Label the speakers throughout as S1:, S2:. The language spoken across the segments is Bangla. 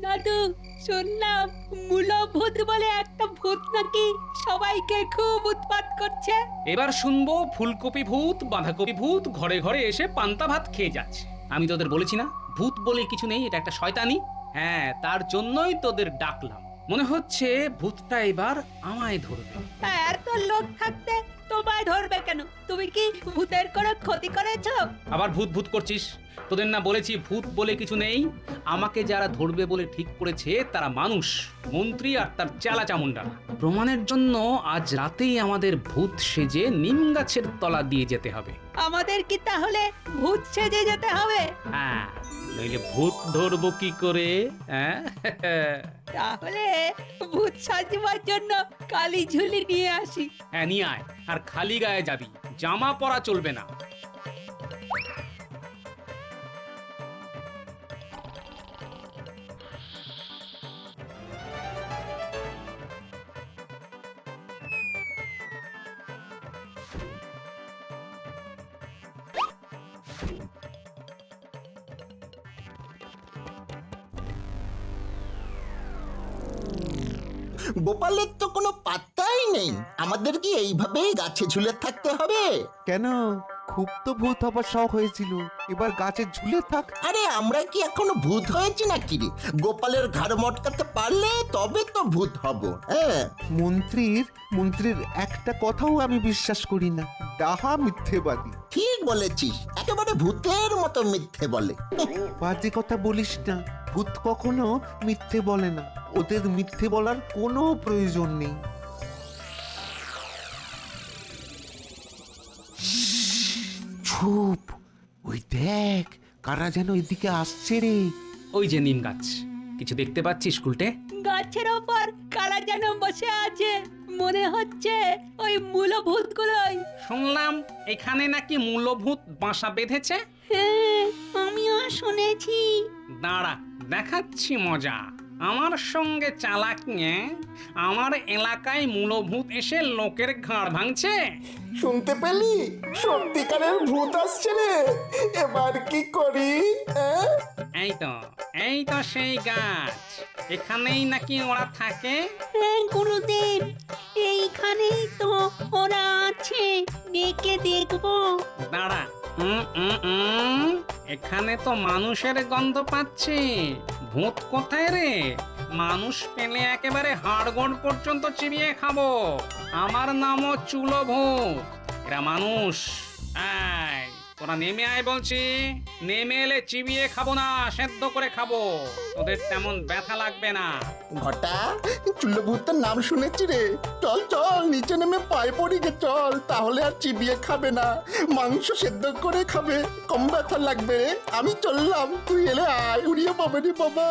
S1: দাদু, শুনলাম মূলভূত বলে একটা ভূত নাকি সবাইকে খুব উৎপাত করছে।
S2: এবার শুনবো ফুলকপি ভূত, বাঁধাকপি ভূত ঘরে ঘরে এসে পান্তা ভাত খেয়ে যাচ্ছে। আমি তোদের বলেছি না ভূত বলে কিছু নেই, এটা একটা শয়তানি। হ্যাঁ, তার জন্যই তোদের ডাকলাম। মনে হচ্ছে ভূতটা এবার আমায় ধরবে।
S1: এত লোক থাকতে তোমায় ধরবে কেন? তুমি কি ভূতের কোনো ক্ষতি করেছো?
S2: আবার ভূত ভূত করছিস? তোদের না বলেছি ভূত বলে কিছু নেই। আমাকে যারা ধরবে বলে ঠিক করেছে তারা মানুষ, মন্ত্রী আর তার চেলা চামুন্ডা। প্রমাণের জন্য আজ রাতেই আমাদের ভূত সেজে নিম গাছের তলা দিয়ে যেতে হবে।
S1: আমাদের কি তাহলে ভূত সেজে যেতে হবে?
S2: হ্যাঁ, নইলে ভূত ধরবো কি করে? হ্যাঁ
S1: তাহলে ভূত সাজবার জন্য কালি ঝুলি নিয়ে আসি।
S2: হ্যাঁ, নিয়ে আয়। আর খালি গায়ে যাবি, জামা পরা চলবে না।
S3: গোপালের তো কোনো পাত্তাই নেই। আমাদের কি এইভাবেই গাছে ঝুলে থাকতে হবে?
S4: কেন? খুব তো ভূত হবার শখ হয়েছিল, এবার গাছে ঝুলে থাক।
S3: আরে আমরা কি এখনো ভূত হয়েছি নাকি রে? গোপালের ঘাড় মটকাতে পারলে তবে তো ভূত হব। হ্যাঁ,
S4: মন্ত্রীর একটা কথাও আমি বিশ্বাস করি না। ডাহা মিথ্যেবাদী।
S3: ঠিক বলেছিস, একেবারে ভূতের মতো মিথ্যে বলে।
S4: বাজে কথা বলিস না। ভূত কখনো মিথ্যে বলে না, ওদের মিথ্যে বলার কোনো প্রয়োজন নেই। চুপ, ওই দেখ কারা যেন এদিকে আসছে রে।
S2: ওই যে নিম গাছ, কিছু দেখতে পাচ্ছিস উল্টে?
S1: গাছের ওপর কারা যেন বসে আছে, মনে হচ্ছে ওই মূলভূতগুলোই।
S2: শুনলাম এখানে নাকি মূলভূত বাসা বেঁধেছে।
S1: হ্যাঁ, আমিও শুনেছি।
S2: দাঁড়া, দেখাচ্ছি মজা। আমার সঙ্গে চালাক নিয়ে আমার এলাকায় মূলভূত এসে লোকের ঘাড় ভাঙছে।
S5: শুনতে পেলি? সত্যিকারের ভূত আসছে রে। এবার কি করি?
S2: এই তো সেই গাছ। এখানেই নাকি ওরা থাকে।
S1: হ্যাঁ গুরুদেব, এইখানেই তো ওরা আছে, ডেকে দেখবো।
S2: দাঁড়া, এখানে তো মানুষের গন্ধ পাচ্ছি। ভূত কোথায় রে? মানুষ পেলে একেবারে হাড়গোড় পর্যন্ত চিবিয়ে খাবো। আমার নামও চুলো ভূত, এরা মানুষ। এই, তোরা নেমে আয় বলছি। নেমে এলে চিবিয়ে খাবো না, সেদ্ধ করে খাবো। তোদের তেমন ব্যথা লাগবে না।
S3: ঘটা, চুল্লো ভূতের নাম শুনেছি রে। চল চল, নিচে নেমে পায়ে পড়ি গে, চল। তাহলে আর চিবিয়ে খাবে না, মাংস সেদ্ধ করে খাবে, কম ব্যথা লাগবে রে। আমি চললাম, তুই এলে আয়। উড়িয়ে পাবে রে বাবা।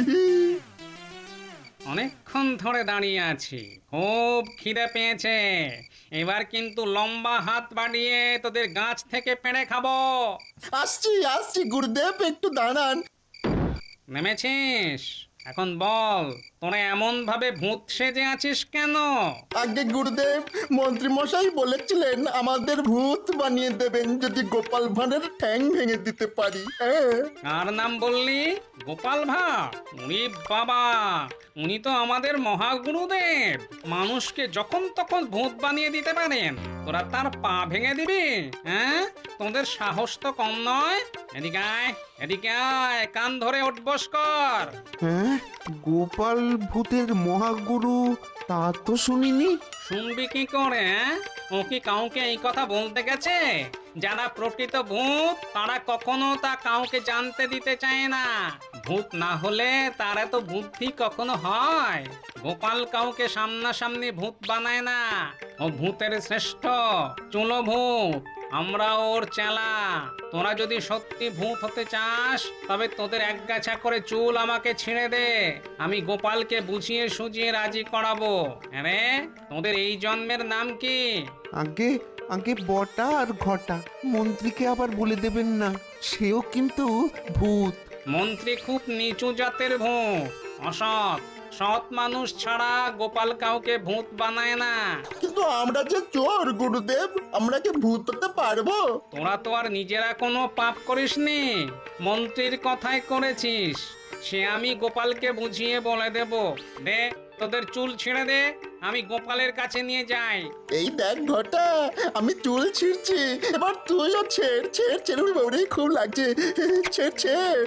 S2: অনেকক্ষণ ধরে দাঁড়িয়ে আছি, খুব খিদে পেয়েছে। এবার কিন্তু লম্বা হাত বাড়িয়ে তোদের গাছ থেকে পেড়ে খাবো।
S3: আসছি আসছি গুরুদেব, একটু দাঁড়ান।
S2: নেমেছিস? এখন বল, তোরা এমন ভাবে ভূত সেজে আছিস কেন?
S3: আগে গুরুদেব, মন্ত্রী মশাই বলেছিলেন আমাদের ভূত বানিয়ে দেবেন যদি গোপাল ভাঁড়ের ঠ্যাং ভেঙে দিতে পারি। হ্যাঁ,
S2: কার নাম বললি? গোপাল ভাঁড়? উনি বাবা, উনি তো আমাদের মহাগুরুদেব। মানুষকে যখন তখন ভূত বানিয়ে দিতে পারেন। তোরা তার পা ভেঙে দিবি? হ্যাঁ, তোদের সাহস তো কম নয়। এদিকে আয়, এদিকে আয়, কান ধরে উঠবস কর।
S4: হ্যাঁ, গোপাল ভূতের মহাগুরু তা তো শুনিনি।
S2: শুনবি কি করে? ও কি কাউকে এই কথা বলতে গেছে? যারা প্রকৃত ভূত তারা কখনো তা কাউকে জানতে দিতে চায় না। ভূত না হলে তার এত বুদ্ধি কখনো হয়? গোপাল কাউকে সামনাসামনি ভূত বানায় না। ও ভূতের শ্রেষ্ঠ, চুলো ভূত। আমরা ওর চেলা। তোরা যদি সত্যি ভূত হতে চাস তবে তোদের একগাছা করে চুল আমাকে ছিঁড়ে দে, আমি গোপালকে বুঝিয়ে সুঝিয়ে রাজি করাবো। আরে তোদের এই জন্মের নাম কি?
S4: আগে আগে বটা আর ঘটা, মন্ত্রীকে আবার বলে দেবেন না, সেও কিন্তু ভূত।
S2: মন্ত্রী খুব নিচু জাতের ভূত, অসৎ। সৎ মানুষ ছাড়া গোপাল কাউকে ভূত বানায় না।
S3: কিন্তু আমরা যে চোর গুরুদেব, আমরা কি ভূত হতে পারবো?
S2: তোরা তো আর নিজেরা কোনো পাপ করিসনি, মন্ত্রীর কথাই করেছিস। সে আমি গোপালকে বুঝিয়ে বলে দেব। দে তোদের চুল ছিঁড়ে দে, আমি গোপালের কাছে নিয়ে যাই।
S3: এই দেখ ঘটা, আমি চুল ছিঁড়ছি, এবার তুইও ছেড় ছেড় ছেড়ে বাবরে, খুব লাগছে, ছেড় ছেড়।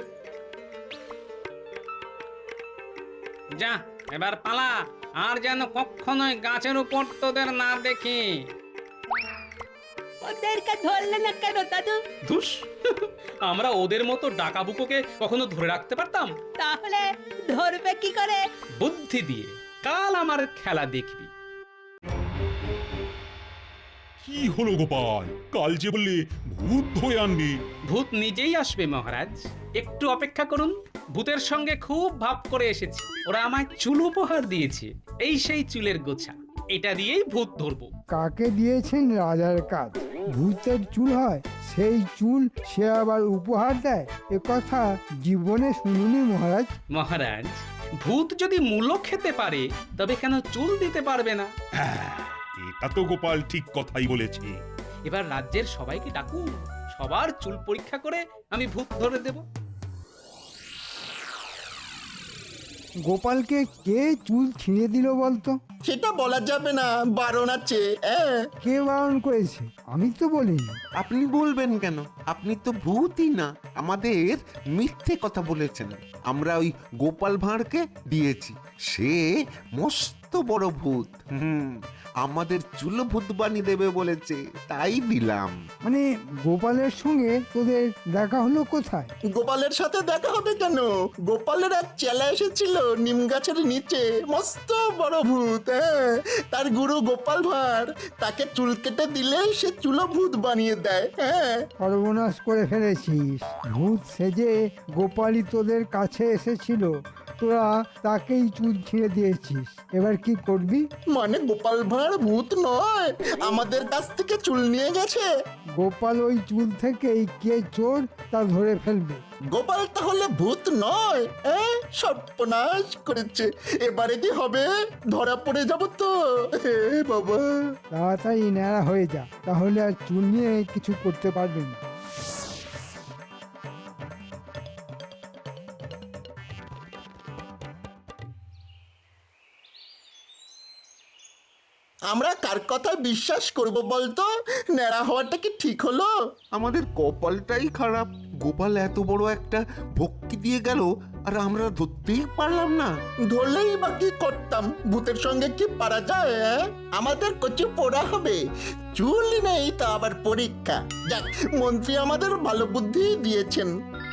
S2: যা এবার পালা, আর যেন কখনোই গাছের উপর তোদের না দেখি।
S1: ওদেরকে ধরলে না কেন দাদু?
S6: ধুস, আমরা ওদের মতো ডাকাবুকোকে কখনো ধরে রাখতে পারতাম?
S1: তাহলে ধরবে কি করে?
S6: বুদ্ধি দিয়ে। কাল আমার খেলা দেখবি।
S7: কি হলো গোপাল, কাল যে বললে ভূত ধরে আনবি?
S2: ভূত নিজেই আসবে মহারাজ, একটু অপেক্ষা করুন। ভূতের সঙ্গে খুব ভাব করে এসেছি, ওরা আমায় চুল উপহার দিয়েছে। এই সেই চুলের গোছা, এটা দিয়েই ভূত ধরবো।
S8: কাকে দিয়েছেন রাজার কাজ? ভূতের চুল হয়, সেই চুল সে আবার উপহার দেয়? এ কথা জীবনে শুনিনি মহারাজ।
S2: মহারাজ, ভূত যদি মূলো খেতে পারে তবে কেন চুল দিতে পারবে না?
S7: হ্যাঁ, এটা তো গোপাল ঠিক কথাই বলেছে।
S2: এবার রাজ্যের সবাইকে ডাকুন, সবার চুল পরীক্ষা করে আমি ভূত ধরে দেব।
S8: গোপালকে কে চুল ছিঁড়ে দিল বলতো?
S3: সেটা বলা যাবে না, বারণ আছে।
S8: কে বারণ করেছে? আমি তো বলিনি।
S4: আপনি বলবেন কেন? আপনি তো ভূতই না, আমাদের মিথ্যে কথা বলেছেন। আমরা ওই গোপাল ভাঁড়কে দিয়েছি, সে মস্ত বড় ভূত। আমাদের চুল ভূত বানিয়ে দেবে বলেছে, তাই দিলাম।
S8: মানে গোপালের সঙ্গে তোদের দেখা হলো কোথায়?
S3: গোপালের সাথে দেখা হবে কেন? গোপালের এক চেলা এসেছিল নিম গাছের নিচে, মস্ত বড় ভূত। তার গুরু গোপাল ভাঁড়, তাকে চুল কেটে দিলে সে চুলো ভূত বানিয়ে দেয়।
S8: সর্বনাশ করে ফেলেছিস। ভূত সেজে গোপালই তোদের কাছে এসেছিল, তোরা তাকেই চুল ছিঁড়ে দিয়েছিস। এবার কি করবি?
S3: মানে গোপাল ভাঁড় ভূত নয়, আমাদের কাছ থেকে চুল নিয়ে গেছে।
S8: গোপাল ওই চুল থেকেই কে চোর তা ধরে ফেলবে।
S3: গোপাল তাহলে ভূত নয়? সর্বনাশ করেছে, এবারে কি হবে? ধরা পড়ে যাব তো। হে বাবা,
S8: তাড়াতাড়ি ন্যাড়া হয়ে যা, তাহলে আর চুল নিয়ে কিছু করতে পারবে না।
S3: আমরা কার কথা বিশ্বাস করব বলতো? ন্যাড়া হওয়াটা কি ঠিক হলো?
S4: আমাদের কপালটাই খারাপ। গোপাল এত বড় একটা ভক্তি দিয়ে গেল, আর আমরা ধরতেই পারলাম না।
S3: ধরলেই বা কি করতাম? ভূতের সঙ্গে কি পারা যায়? আমাদের কচু পোড়া হবে। চুল নেই তা আবার পরীক্ষা। যাক, মন্ত্রী আমাদের ভালো বুদ্ধি দিয়েছেন।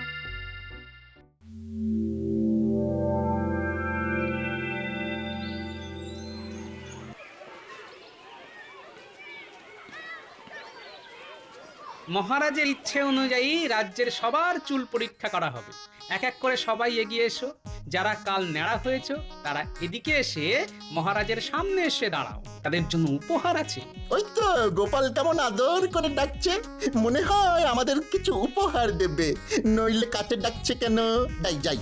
S2: মহারাজের ইচ্ছে অনুযায়ী রাজ্যের সবার চুল পরীক্ষা করা হবে। এক এক করে সবাই এগিয়ে এসো। যারা কাল ন্যাড়া হয়েছে তারা এদিকে এসে মহারাজের সামনে এসে দাঁড়াও, তাদের জন্য উপহার আছে।
S3: ওই তো গোপাল কেমন আদর করে ডাকছে, মনে হয় আমাদের কিছু উপহার দেবে। নইলে কাছে ডাকছে কেন? যাই যাই।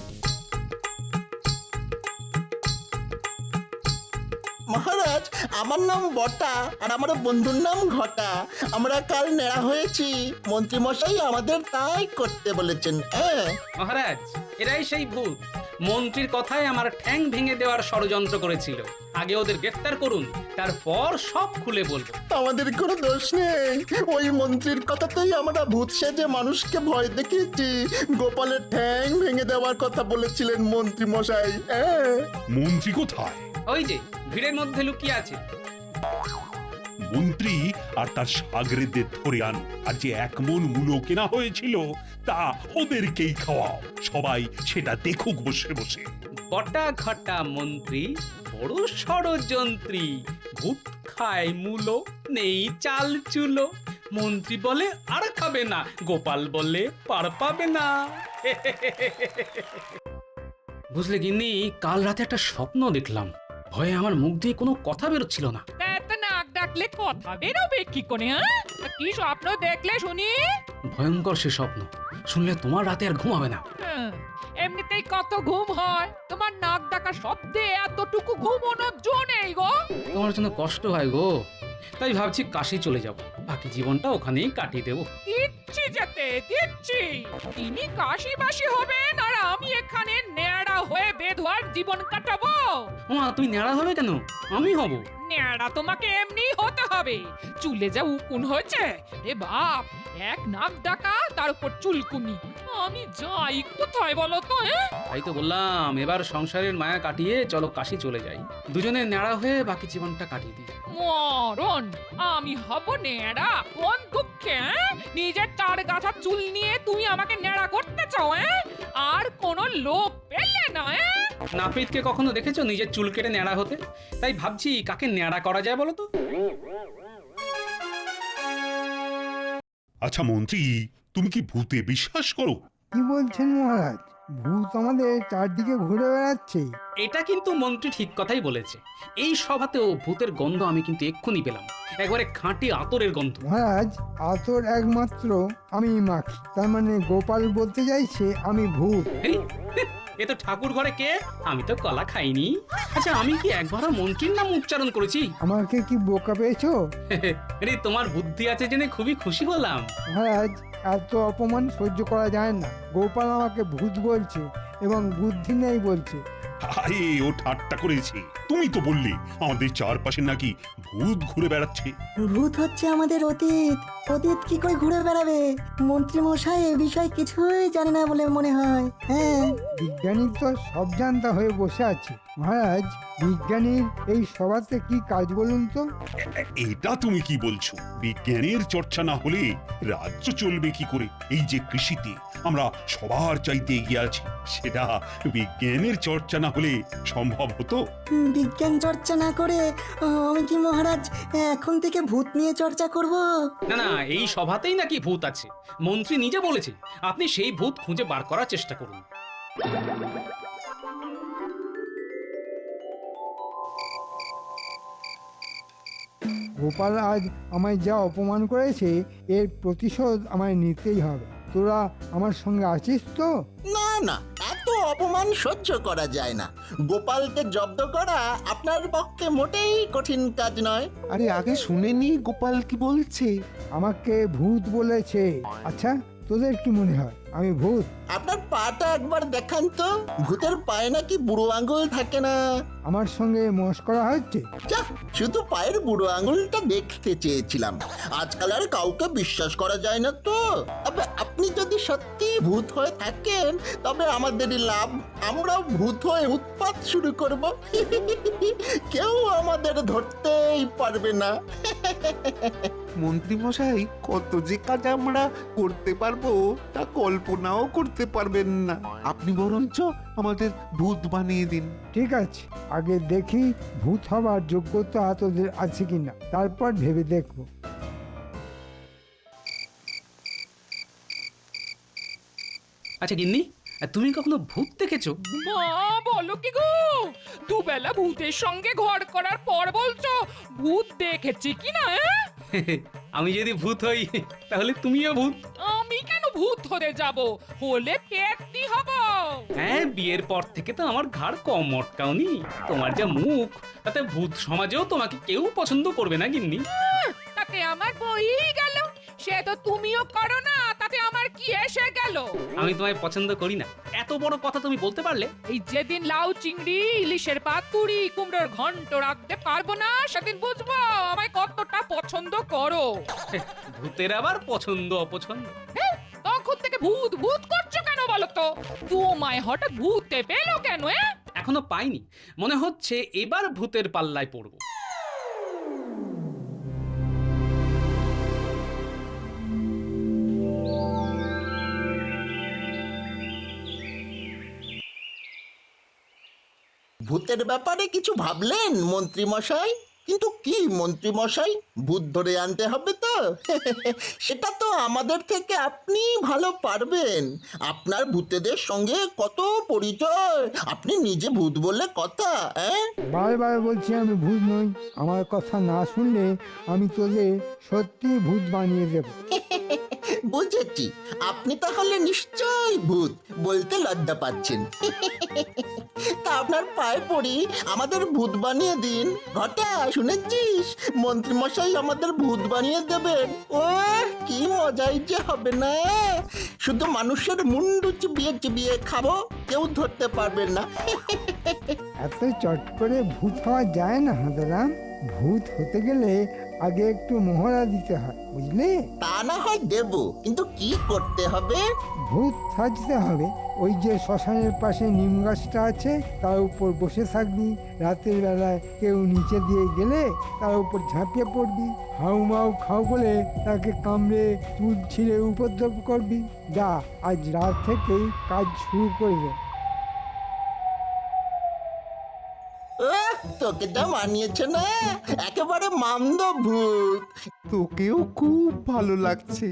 S3: মহারাজ, আমার নাম বটা, আর আমার বন্ধুর নাম ঘটা। আমরা কাল নেড়া হয়েছি, মন্ত্রী মশাই আমাদের তাই করতে বলেছেন।
S2: মহারাজ, এরাই সেই ভূত। মন্ত্রীর কথায় আমার ঠ্যাং ভেঙে দেওয়ার ষড়যন্ত্র করেছিল। আগে ওদের গ্রেফতার করুন, তারপর সব খুলে বলবো।
S3: আমাদের কোনো দোষ নেই, ওই মন্ত্রীর কথাতেই আমরা ভূত সেজে মানুষকে ভয় দেখিয়েছি। গোপালের ঠ্যাং ভেঙে দেওয়ার কথা বলেছিলেন মন্ত্রী মশাই।
S7: মন্ত্রী কোথায়?
S2: ওই যে ভিড়ের মধ্যে লুকিয়ে আছে।
S7: মন্ত্রী আর তার সাগরেদের ধরে আন, আর যে 1 মণ মূলো কেনা হয়েছিল তা ওদেরকেই খাওয়াও। সবাই সেটা দেখুক বসে বসে।
S2: বটা ঘটা মন্ত্রী বড় ষড়যন্ত্রী। ভূত খায় মূলো, নেই চাল চুলো। মন্ত্রী বলে আর খাবে না, গোপাল বলে পার পাবে না। বুঝলে গিন্নি, কাল রাতে একটা স্বপ্ন দেখলাম। ভয়ে আমার মুখ দিয়ে কোনো কথা বেরোচ্ছিল না।
S9: এত নাক ডাকলে কথা বেরোবে কি করে? কি স্বপ্ন দেখলে শুনি?
S2: ভয়ঙ্কর সে স্বপ্ন, শুনলে তোমার রাতে আর ঘুমাবে না।
S9: এমনিতেই কত ঘুম হয়, তোমার নাক ডাকা শব্দে এতটুকু ঘুমানোর জো নেই গো।
S2: তোমার জন্য কষ্ট হয় গো, তাই ভাবছি কাশি চলে যাব, বাকি জীবনটা ওখানেই কাটিয়ে দেবো।
S9: দিচ্ছি যেতে দিচ্ছি। তিনি কাশি বাসি হবেন আর আমি এখানে জীবন কাটাবো?
S6: ওমা তুই ন্যাড়া হবে কেন? আমি হব।
S9: ন্যাড়া তোমাকে এমনি হতে হবে। চুলে যা উকুন হয়েছে রে বাপ, এক নাক ডাকা তার উপর চুলকুনি। আমি যাই কোথায় বলো তো?
S6: তাই তো বললাম এবার সংসারের মায়া কাটিয়ে চলো কাশি চলে যাই, দুজনে ন্যাড়া হয়ে বাকি জীবনটা কাটিয়ে দিই।
S9: মরণ, আমি হব ন্যাড়া? কোন দুঃখে? নিজের চার গাছা চুল নিয়ে তুমি আমাকে ন্যাড়া করতে চাও? আর কোনো লোক পেলে না?
S6: নাপিতকে কখনো দেখেছো নিজের চুল কেটে ন্যাড়া হতে? তাই ভাবছি কাকে ন্যাড়া করা যায় বলো তো।
S7: আচ্ছা মন্ত্রী, তুমি কি ভূতে বিশ্বাস করো?
S8: কি বলছেন মহারাজ? ভূত আমাদের চারদিকে ঘুরে বেড়াচ্ছে।
S6: এটা কিন্তু মন্ত্রী ঠিক কথাই বলেছে। এই সভাতেও ভূতের গন্ধ আমি কিন্তু এক্ষুনি পেলাম, একবারে খাঁটি আতরের গন্ধ।
S8: মহারাজ, আতর একমাত্র আমি মাখি, তার মানে গোপাল বলতে চাইছে আমি ভূত।
S6: এই, এ তো ঠাকুর ঘরে কে? আমি তো কলা খাইনি। আচ্ছা আমি কি একবারও মন্ত্রীর নাম উচ্চারণ করেছি?
S8: আমাকে কি বোকা পেয়েছো?
S6: আরে তোমার বুদ্ধি আছে জেনে খুবই খুশি হলাম।
S8: মহারাজ, এত অপমান সহ্য করা যায় না। গোপাল আমাকে ভূত বলছে এবং বুদ্ধি নেই বলছে।
S7: আরে ও ঠাট্টা করেছে। তুমি তো বললে আমাদের চারপাশে নাকি ভূত ঘুরে বেড়াচ্ছে।
S10: ভূত হচ্ছে আমাদের অতীত। অতীত কি করে ঘুরে বেড়াবে? মন্ত্রী মশাই এ বিষয়ে কিছুই জানে না বলে মনে হয়। হ্যাঁ,
S8: বিজ্ঞানী তো সব জানতা হয়ে বসে আছে। মহারাজ, বিজ্ঞানীর এই সভাতে কি কাজ বলুন তো?
S7: এটা তুমি কি বলছো? বিজ্ঞানের চর্চা না হলে রাজ্য চলবে কি করে? এই যে কৃষিতে আমরা সবার চাইতে এগিয়ে আছি, সেটা বিজ্ঞানের চর্চা না হলে সম্ভব হতো?
S10: বিজ্ঞান চর্চা না করে আমি কি মহারাজ এখন থেকে ভূত নিয়ে চর্চা করব?
S6: না না, এই সভাতেই নাকি ভূত আছে। মন্ত্রী নিজে বলেছে আপনি সেই ভূত খুঁজে বার করার চেষ্টা করুন।
S8: গোপাল আজ আমায় যা অপমান করেছে এর প্রতিশোধ আমায় নিতেই হবে। তোরা আমার সঙ্গে আছিস তো?
S3: না না, এত অপমান সহ্য করা যায় না। গোপালকে জব্দ করা আপনার পক্ষে মোটেই কঠিন কাজ নয়।
S4: আরে আগে শুনেনি গোপাল কি বলছে?
S8: আমাকে ভূত বলেছে। আচ্ছা, তোদের কি মনে হয় আমি ভূত?
S3: আপনার পাটা একবার দেখান তো। ভূতের পায়ে নাকি বুড়ো আঙুল থাকে না?
S8: আমার সঙ্গে মস্করা হচ্ছে?
S3: যা, শুধু পায়ের বুড়ো আঙুলটা দেখতে চেয়েছিলাম। আজকাল আর কাউকে বিশ্বাস করা যায় না তো। তবে আপনি যদি সত্যি ভূত হয়ে থাকেন তবে আমাদেরই লাভ। আমরাও ভূত হয়ে উৎপাত শুরু করব। কেউ আমাদের ধরতেই পারবে না।
S4: মন্ত্রী মশাই, কত যে কাজ আমরা করতে পারবো তা কল্পনাও করতে পারবেন না। আপনি বরঞ্চ আমাদের ভূত বানিয়ে দিন।
S8: ঠিক আছে, আগে দেখি ভূত হবার যোগ্যতা তোদের আছে কিনা, তারপর ভেবে দেখবো।
S6: আচ্ছা গিন্নি, তুমি কখনো ভূত দেখেছো?
S9: মা, বলো কি গো? দুবেলা ভূতের সঙ্গে ঘর করার পর বলছো ভূত দেখেছি কিনা?
S6: আমি যদি ভূত হই তাহলে তুমিও ভূত।
S9: আমি কেন ভূত হতে যাব? হলে পেটনি হব।
S6: হ্যাঁ, বিয়ের পর থেকে তো আমার ঘাড় কম মটকাওনি। তোমার যা মুখ, তাতে ভূত সমাজেও তোমাকে কেউ পছন্দ করবে না গিন্নি।
S9: তাতে আমার বই গেল। সে তো তুমিও করো না, তাতে আমার কি এসে গেল?
S6: আমি তোমায় পছন্দ করি না, এত বড় কথা তুমি বলতে পারলে?
S9: এই যেদিন লাউ চিংড়ি, ইলিশের পাতুরি, কুমড়োর ঘন্ট রাখতে পারবো না, সেদিন বুঝবো আমায় কতটা পছন্দ করো।
S6: ভূতের আবার পছন্দ অপছন্দ।
S9: তখন থেকে ভূত ভূত করছো কেন বলো তো? তোমায় হঠাৎ ভূতে পেলো কেন?
S6: এখনো পাইনি, মনে হচ্ছে এবার ভূতের পাল্লায় পড়বো।
S3: ভূতের ব্যাপারে কিছু ভাবলেন মন্ত্রী মশাই? কিন্তু কি মন্ত্রী মশাই, ভূত ধরে আনতে হবে তো? সেটা তো আমাদের থেকে আপনি ভালো পারবেন। আপনার ভূতেদের সঙ্গে কত পরিচয়, আপনি নিজে ভূত বললে কথা।
S8: বারবার বলছি আমি ভূত নই। আমার কথা না শুনলে আমি তোদের সত্যি ভূত বানিয়ে দেব।
S3: বুঝেছি, আপনি তাহলে নিশ্চয়ই ভূত, বলতে লজ্জা পাচ্ছেন। তা আপনার পায়ে পড়ি, আমাদের ভূত বানিয়ে দিন। ঘটা, শুনেছিস? মন্ত্রী মশাই আমাদের ভূত বানিয়ে দেবেন। ও কি মজাই যে হবে না! শুধু মানুষের মুন্ডু চিবিয়ে চিবিয়ে খাবো, কেউ ধরতে পারবে না।
S8: এত চট করে ভূত হওয়া যায় না হাঁদারাম। ভূত হতে গেলে আগে একটু মহড়া দিতে হয়, বুঝলে?
S3: তা না হয় দেব, কিন্তু কি করতে হবে?
S8: ভূত সাজতে হবে। ওই যে শ্মশানের পাশে নিম গাছটা আছে, তার উপর বসে থাকবি। রাতের বেলায় কেউ নিচে দিয়ে গেলে তার উপর ঝাঁপিয়ে পড়বি। হাউ মাউ খাও বলে তাকে কামড়ে চুল ছিঁড়ে উপদ্রব করবি। যা, আজ রাত থেকেই কাজ শুরু করবে।
S3: তোকে যা মানিয়েছে না, একেবারে মামদো ভূত।
S4: তোকেও খুব ভালো লাগছে।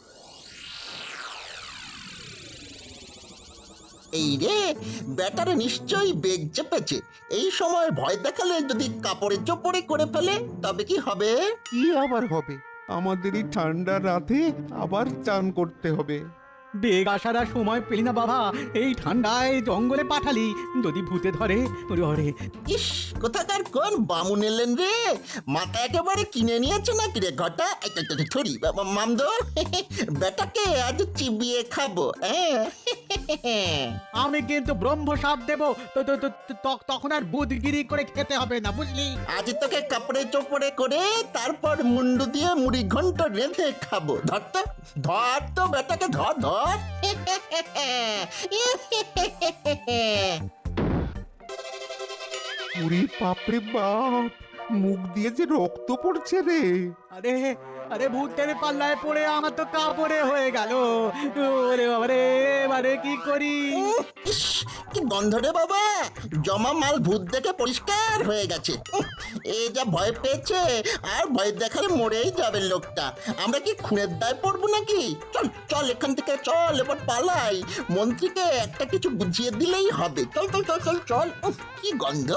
S3: এই রে, ব্যাটারে নিশ্চয়ই বেগ চেপেছে। এই সময় ভয় দেখালে যদি কাপড়ে চোপড়ে করে ফেলে, তবে কি হবে?
S4: কি আবার হবে? আমাদের এই ঠান্ডা রাতে আবার চান করতে হবে।
S11: বেগ আসার আর সময় পেলি না বাবা, এই ঠান্ডায় জঙ্গলে পাঠালি, যদি ভূতে ধরে ওরে।
S3: ইস, কোথাকার কোন বামুন এলেন রে? মাথা একেবারে কিনে নিয়েছে নাকি রে ঘটা? ছড়ি মামদো, বেটাকে আজ চিবিয়ে খাবো।
S11: আমি কিন্তু ব্রহ্ম সাপ দেবো, তখন আর বুধগিরি করে খেতে হবে না, বুঝলি?
S3: আজ তোকে কাপড়ে চোপড়ে করে তারপর মুন্ডু দিয়ে মুড়ি ঘন্ট রেঁধে খাবো। ধর তো বেটাকে, ধর ধর।
S4: পুরি বাপরে বাপ, মুখ দিয়ে যে রক্ত পড়ছে রে।
S11: আরে আরে ভূতের পাল্লায় পড়ে আমার তো কাপড়ে হয়ে গেল। ওরে বাবারে, এবারে কি করি?
S3: ইস, কি গন্ধ রে বাবা! জমা মাল ভূত দেখে পরিষ্কার হয়ে গেছে। এ যা ভয় পেয়েছে, আর ভয় দেখালে মরেই যাবে লোকটা। আমরা কি খুনের দায় পড়বো নাকি? চল চল এখান থেকে, চল এবার পালাই। মন্ত্রীকে একটা কিছু বুঝিয়ে দিলেই হবে। চল চল চল চল চল। কি গন্ধ!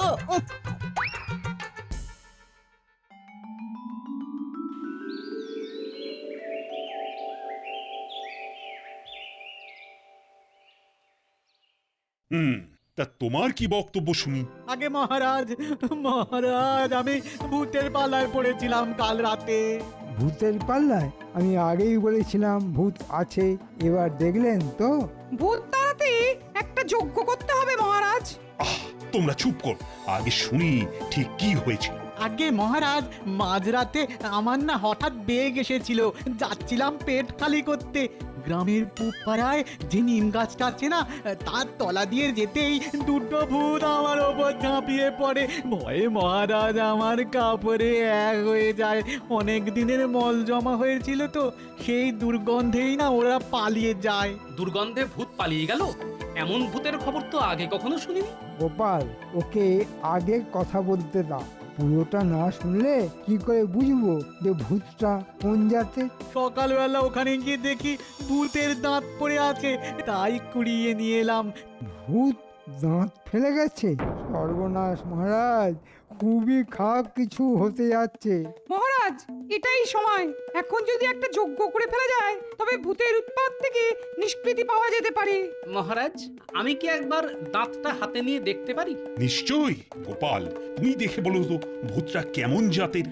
S7: তা তোমার কি বক্তব্য শুনি?
S11: আগে মহারাজ, আমি ভূতের পাল্লায় পড়েছিলাম কাল রাতে।
S8: ভূতের পাল্লায়? আমি আগেই বলেছিলাম ভূত আছে, এবার দেখলেন তো?
S1: ভূত তাড়াতে একটা যজ্ঞ করতে হবে মহারাজ।
S7: তোমরা চুপ কর, আগে শুনি ঠিক কি হয়েছে।
S11: আগে মহারাজ, মাঝরাতে আমার না হঠাৎ বেগ এসেছিল, যাচ্ছিলাম পেট খালি করতে। গ্রামের পূব পাড়ায় যে নিম গাছটা আছে না, তার তলা দিয়ে যেতেই দুটো ভূত আমার ওপর ঝাঁপিয়ে পড়ে। ভয়ে মহারাজ আমার কাপড়ে এক হয়ে যায়। অনেক দিনের মল জমা হয়েছিল তো, সেই দুর্গন্ধেই না ওরা পালিয়ে যায়।
S6: দুর্গন্ধে ভূত পালিয়ে গেল? এমন ভূতের খবর তো আগে কখনো শুনিনি।
S8: গোপাল, ওকে আগে কথা বলতে দাও। পুরোটা না শুনলে কি করে বুঝবো যে ভূতটা কোন জাতের?
S11: সকালবেলা ওখানে গিয়ে দেখি ভূতের দাঁত পড়ে আছে, তাই কুড়িয়ে নিয়ে এলাম।
S8: ভূত দাঁত ফেলে গেছে? সর্বনাশ মহারাজ, খুবই খারাপ কিছু হতে যাচ্ছে।
S1: মহারাজ, এটাই সময়। এখন যদি একটা যজ্ঞ করে ফেলা যায়, তবে ভূতের উৎপাত থেকে নিষ্কৃতি পাওয়া যেতে পারে।
S6: মহারাজ, আমি কি একবার দাঁতটা হাতে নিয়ে দেখতে পারি?
S7: নিশ্চয়ই। গোপাল, তুমি দেখে বলো তো ভূতটা কেমন জাতের।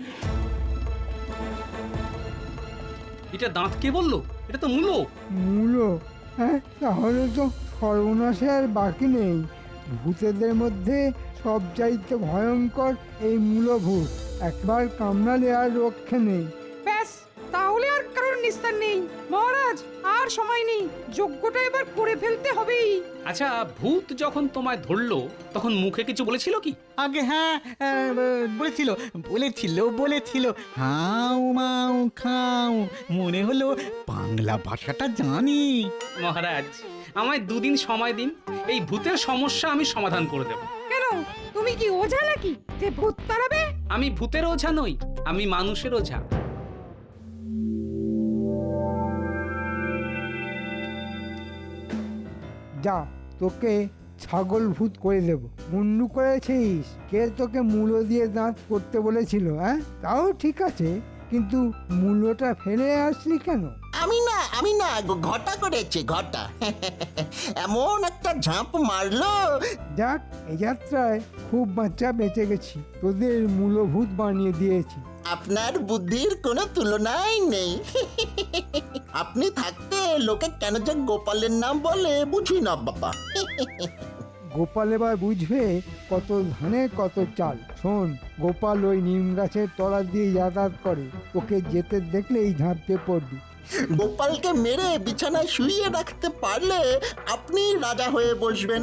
S6: এটা দাঁত কে বললো? এটা তো মূলো।
S8: মূলো? হ্যাঁ, তাহলে তো সর্বনাশে আর বাকি নেই। ভূতেদের মধ্যে সবচাইতে ভয়ঙ্কর এই মূলভূত। একবার কামড়ালে আর রক্ষে নেই।
S1: ব্যাস, তাহলে আর কারোর নিস্তার নেই। মহারাজ, আর সময় নেই, যজ্ঞটা এবার করে ফেলতে হবেই।
S6: আচ্ছা, ভূত যখন তোমায় ধরলো তখন মুখে কিছু বলেছিল কি?
S11: আগে হ্যাঁ, বলেছিল হাউ মাউ খাও। মনে হলো বাংলা ভাষাটা জানি।
S6: মহারাজ, আমায় 2 দিন সময় দিন, এই ভূতের সমস্যা আমি সমাধান করে দেব।
S1: কেন, তুমি কি ওঝা নাকি যে ভূত তাড়াবে?
S6: আমি ভূতের ওঝা নই, আমি মানুষের ওঝা।
S8: যা, তোকে ছাগল ভূত করে দেব। মুন্ডু করেছিস? কে তোকে মূলো দিয়ে দাঁত করতে বলেছিল? হ্যাঁ, তাও ঠিক আছে, কিন্তু মূলোটা ফেলে আসলি কেন?
S3: আমি না ঘটা করেছে ঘটা এমন একটা ঝাঁপ মারলো।
S8: যাক এই যাত্রায় খুব বাচ্চা বেঁচে গেছি, তোদের মূলভূত বানিয়ে দিয়েছি।
S3: আপনার বুদ্ধির কোনো তুলনাই নেই আপনি থাকতে লোকে কেন যে গোপালের নাম বলে বুঝি না বাবা।
S8: গোপাল এবার বুঝবে কত ধানে কত চাল। শোন, গোপাল ওই নিম গাছের তলা দিয়ে যাতায়াত করে, ওকে যেতে দেখলেই ঝাঁপিয়ে পড়বি।
S3: গোপালকে মেরে বিছানায় শুইয়ে রাখতে পারলে আপনি রাজা হয়ে বসবেন।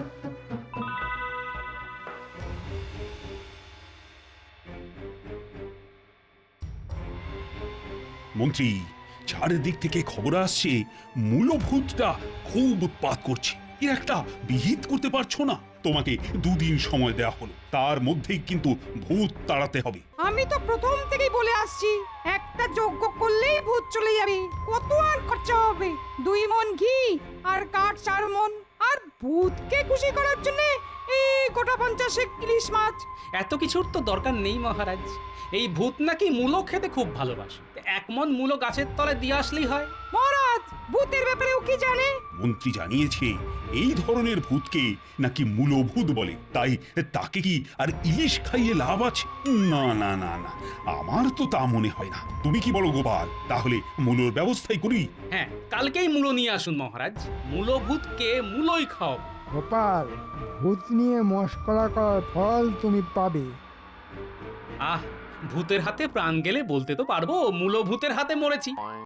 S7: মন্ত্রী, চারিদিক থেকে খবর আসছে মূলভূতটা খুব উৎপাত করছে। এর একটা বিহিত করতে পারছো না? তোমাকে 2 দিন সময় দেওয়া হলো, তার মধ্যেই কিন্তু ভূত তাড়াতে হবে।
S1: আমি তো প্রথম থেকেই বলে আসছি, একটা যজ্ঞ করলেই ভূত চলে যাবে। কত আর খরচা হবে? 2 মণ ঘি আর কাঠ 4 মণ। আর ভূতকে খুশি করার জন্য এই গোটা 50 ইলিশ মাছ।
S6: এত কিছুর তো দরকার নেই মহারাজ। এই ভূত নাকি মূলো খেতে খুব ভালোবাসে। 1 মণ মূলো গাছের তলে দিয়ে আসলেই হয়।
S1: মহারাজ, ভূতের ব্যাপারেও কি জানে?
S7: মন্ত্রী জানিয়েছে এই ধরনের ভূতকে নাকি মূলভূত বলে, তাই তাকে কি আর ইলিশ খাইয়ে লাভ আছে? না না না না, আমার তো তা মনে হয় না। তুমি কি বলো গোপাল? তাহলে মূলোর ব্যবস্থাই করি।
S6: হ্যাঁ, কালকেই মূলো নিয়ে আসুন মহারাজ। মূলো ভূতকে মূলোই খাও।
S8: গোপাল, ভূত নিয়ে মশকরা করার ফল তুমি পাবে।
S6: আহ, ভূতের হাতে প্রাণ গেলে বলতে তো পারবো মূলো ভূতের হাতে মরেছি।